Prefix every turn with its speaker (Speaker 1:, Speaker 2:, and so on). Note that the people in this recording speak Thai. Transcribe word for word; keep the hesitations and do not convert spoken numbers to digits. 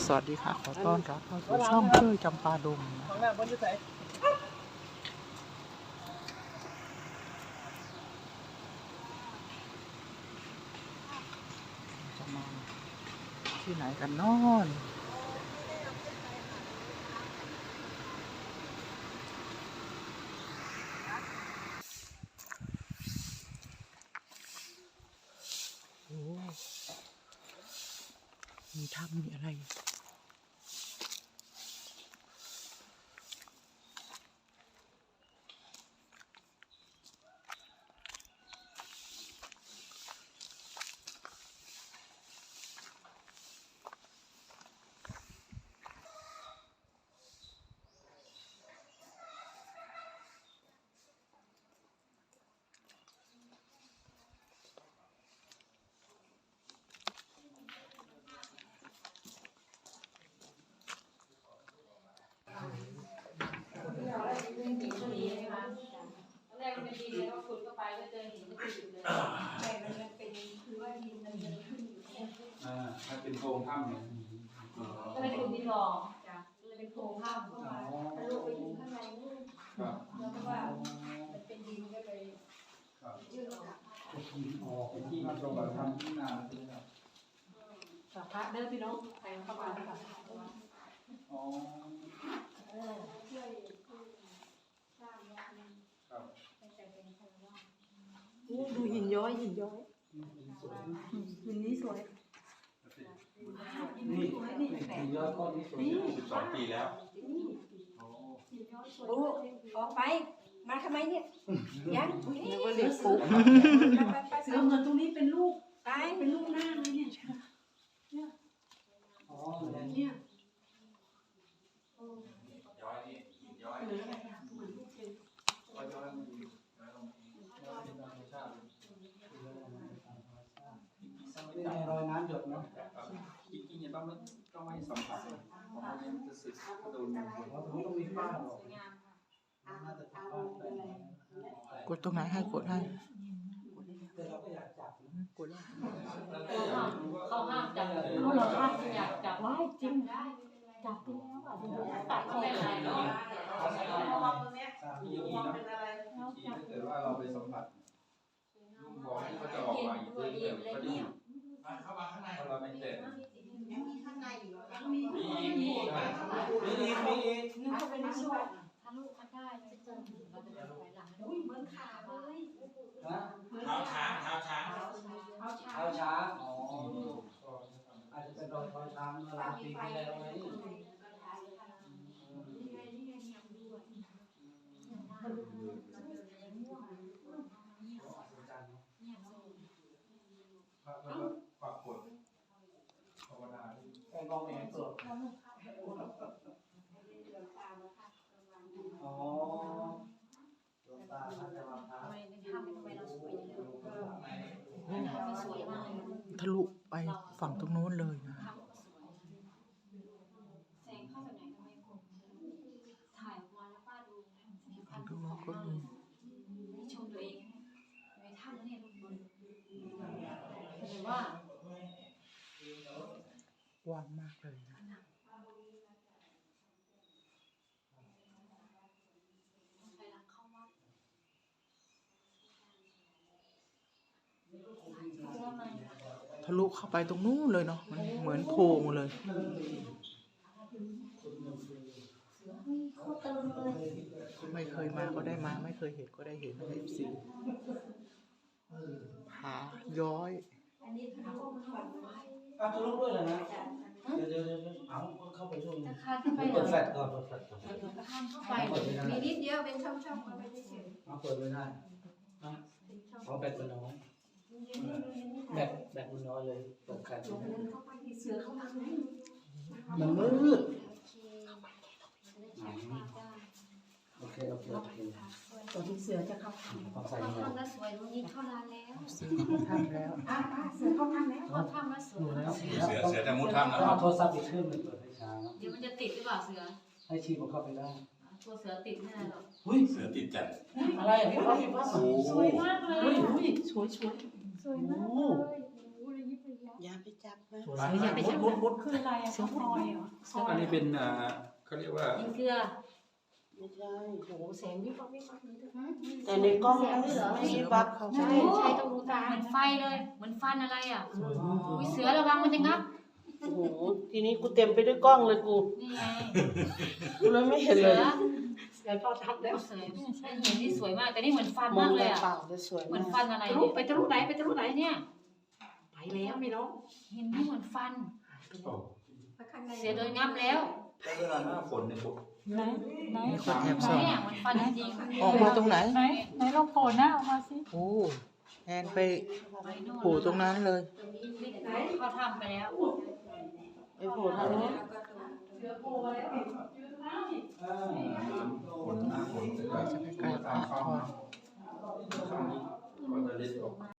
Speaker 1: สวัสดีค่ะขอต้อนรับเข้าสู่ช่องเพื่อจำปาดงนะจะมาที่ไหนกันนอนโอ้มีถ้ำมีอะไร
Speaker 2: แรกมันเป็นดินแล้วก็ขุดเข้าไปก็เจอหินก็ขุดเลยใช่มันยังเป็นคือว่าดินมันยังขึ้นอยู่เนี่ย
Speaker 3: อ่าถ้าเป็นโพรงถ้ำเนี่ย
Speaker 2: ก็เลยขุดดินหล่อจ้ะเลยเป็นโพรงถ้ำเข้ามาทะลุไปถึงข้างในนู่นแล้วก็ว่ามันเป็นดินก็เลยยื่นออก
Speaker 3: ออกเป็นที่มาตรงกับถ้ำที่นาใช่ไหมครับ
Speaker 2: พระเด้อพี่น้องใครเข้ามาแล้วค่ะ
Speaker 3: อ๋อ
Speaker 2: เออช่วยสร้างวัดนั้น
Speaker 3: ครับ
Speaker 2: แต่เป็นคนว่า
Speaker 4: ดูหินย้อยหินย้อยหินนี้สวย
Speaker 3: นี่นี่ยอดก้อนนี้สวยสิบสองปีแล้วโอ้
Speaker 4: โอ้ออกไปมาทำไมเนี่ยยังนี่
Speaker 1: นึกว่าเรียกปุ๊บ
Speaker 4: เสือเหมือนตรงนี้เป็นลูกตายเป็นลูกหน้าเลยเนี่ยเนี่ย
Speaker 3: อ๋อ
Speaker 4: เนี่ย
Speaker 3: ย้อยนี่ย้อย
Speaker 4: เหลืออะไรอ่ะเหมือนลูกเลย
Speaker 3: ย้อยย้อยมันย้อยลงย้อยเป็นธรรมชาตินี่ไงรอยน้ำหยดเนาะจริงๆเนี่ยต้องต้องให้สัมผัสเลยเพราะว่ามันจะสึกก็โดนมันต้องมีฝ้าหรอกน่าจะทำบ้านได้
Speaker 1: กดตรงไหนให้กดให้
Speaker 3: แต่เราก็อยากจับ
Speaker 1: กดแล้ว
Speaker 2: เขาห้ามจับเขาหลอกห้ามอยากจับไว้จริงได้จับไปแล้วอ่ะดูตัดไม่เป็นไรเนาะ
Speaker 3: ที่อย่างนี้เนาะที่ถ้าเกิดว่าเราไปสัมผัสบอกให้เขาจะออกมาอีกเรื่อยๆเขาจะอยู่เข้ามาข้างในถ้าเราไม่แตะ
Speaker 4: ยังมีข้างในอยู่ยังมี
Speaker 3: มีอีกมีอีกมีอีกมีอีก
Speaker 4: นึกว่าเป็นช่วย
Speaker 2: ถ้าลูกมันได้จะเจอเราจะไปหลัง
Speaker 4: อุ้ยเหมือนขาเลย
Speaker 3: ฮะ
Speaker 5: เท้าช้างเท้าช้าง
Speaker 2: เขาช้า
Speaker 3: เท้าช้างอ๋ออาจจะเป็นรอยเท้าช้างเมื่อหลายปีที่แล้วไหม
Speaker 2: นี่ไงนี่ไงยังด้วยเนี่ยโซ่
Speaker 3: พระแล้วก็ปักกดภาวนาแค่มองเองตัวอ๋อดวงตาพระจะมาพา
Speaker 2: ทำไมในถ้ำทำไมเราสวยอย่างนี้ถ้ำมันสวยมากเลย
Speaker 1: ทะลุไปฝั่งตรงโน้นเลยนะ
Speaker 2: ถ้ำก็สวยแสงเข้าจากไหนก็ไม่คมถ่ายออกมาแล้วป้าดูสีพั
Speaker 1: ฝั่
Speaker 2: น
Speaker 1: ง
Speaker 2: ธุ์
Speaker 1: ตรงโน้นก็มี
Speaker 2: นี่ชมตัวเองในถ้ำเนี่ยทุกคนเห็นว่าก
Speaker 1: ว้างมากเลยนะ
Speaker 2: ไปหลังเข้าวัด
Speaker 1: ทะลุเข้าไปตรงนู้นเลยเนาะมันเหมือนโพรงเลยไม่เคยมาก็ได้มาไม่เคยเห็นก็ได้เห็นนะเอฟซีผาย้อย
Speaker 4: อันนี้ทะลุมันฝัน
Speaker 3: อ้าวทะลุด้วยเหรอนะเดี๋ยวเดี๋ยวเดี๋ยวเอาเข้าไปช่วงนี้
Speaker 2: จะคานเข้าไปเหร
Speaker 3: เปิ
Speaker 2: อ
Speaker 3: ดแฟลชก่อนเปิดแฟลชก่อน
Speaker 2: คานเข้าไป
Speaker 4: มีนิดเดียวเป็นช่องๆเข้าไปเฉย
Speaker 3: เอาเปิดไม่ได้นะเอาแบตมันน้อยแบตแบตมันน้อยเลยเปิดแฟลชไม่ได้
Speaker 4: เข้าไปเสือเข้ามาไหม
Speaker 3: มันมืด
Speaker 2: โอเค
Speaker 3: โอเคโอเคโอเค
Speaker 4: ตัวที่เสือจะเข้าทาง
Speaker 3: เอาใส่
Speaker 2: เข้า
Speaker 3: ยังไง
Speaker 2: ถ้ำแล้วสวยตรงนี้เข้านานแล้ว
Speaker 1: ซื้อเข้าถ้ำแล้ว
Speaker 4: อ่ะป้าเสือเข้าทางแล้ว
Speaker 2: เข้าถ้ำแล้วสวย
Speaker 3: ดูแล้ว
Speaker 5: เสือเสือจะมุดถ้ำนะ
Speaker 3: ต้องเอาโทรศัพท์อีกเครื่องหนึ่งเปิดให้ช้าเนาะ
Speaker 2: เดี๋ยวมันจะติดหรือเปล่าเสือ
Speaker 3: ให้ชีพมันเข้าไปได้
Speaker 2: ตัวเสือติดไม่ได้หรอก
Speaker 3: อุ้ย
Speaker 5: เสือติดจัด
Speaker 3: อะไรอ่ะพี่พ่อพี่พ่อ
Speaker 5: โอ้โห
Speaker 2: สวยมากเลย
Speaker 3: อุ้ยอุ้ยสวยสวย
Speaker 2: สวยมากเลยโอ้โหระยิบระยับ
Speaker 6: อย่าไปจับนะ
Speaker 4: อย่าไปจับ
Speaker 3: มุดมุด
Speaker 4: คืออะไรอ่ะเสือพลอยเหรอ
Speaker 3: อันนี้เป็นอ่าเขาเรียกว่า
Speaker 2: ยิงเกลือ
Speaker 6: ไม่ใช่
Speaker 2: โอ้โหแสงวิบวับวิบวับเลย
Speaker 6: แต่ในกล้องมันไม่มีบับ
Speaker 2: ใช่ใช่ต้องดูตาเหมือนไฟเลยเหมือนฟันอะไรอ่ะอุ้ยเสือระวังมันจะงับ
Speaker 6: โอ้โหทีนี้กูเต็มไปด้วยกล้องเลยกู
Speaker 2: นี่ไง
Speaker 6: กูเลยไม่เห็น
Speaker 2: เสื
Speaker 6: เล
Speaker 2: อย
Speaker 4: เสือทอดทับแล้ว
Speaker 2: เสือใช่เห็นนี่สวยมากแต่นี่เหมือนฟัน
Speaker 6: มอ
Speaker 2: มาง กเล
Speaker 6: แต่
Speaker 2: ยอ่ะ
Speaker 6: เปล่าจะสวย
Speaker 2: เหมื
Speaker 6: มา
Speaker 2: อน
Speaker 6: ก
Speaker 2: ฟันอะไร
Speaker 4: ทะลุ
Speaker 2: เนี่ย
Speaker 4: ไปทะลุไหนไปทะลุไหน
Speaker 2: เนี่ย
Speaker 4: ไปแล้วพี่น้อง
Speaker 2: เห็นนี่เหมือนฟัน
Speaker 3: โอ้
Speaker 2: เสือโดนงับแล้ว
Speaker 3: แล้วเวลาหน้าฝนเนี่ยพวก
Speaker 4: ไหนไหน
Speaker 1: มีคนแอบส่อง
Speaker 2: เนี่ยเหมือนฟันจริงๆ
Speaker 1: ออกมาตรงไหน
Speaker 4: ไหนไหนลองโผล่หน้าออกมาสิ
Speaker 1: โอ้แอนไป
Speaker 2: ไปโน่น
Speaker 1: โผล่ตรงนั้นเลย
Speaker 2: เขาทำไปแล้ว
Speaker 6: ไปโผล่ทางนู้น
Speaker 4: เสือโผล่มาแล้วอยู่ตรงนั้นนี่
Speaker 3: อ่าฝนหน้าฝน
Speaker 1: เราจะไปกราบพระก่อน
Speaker 3: ข้างนี้ก็จะเล็ดออก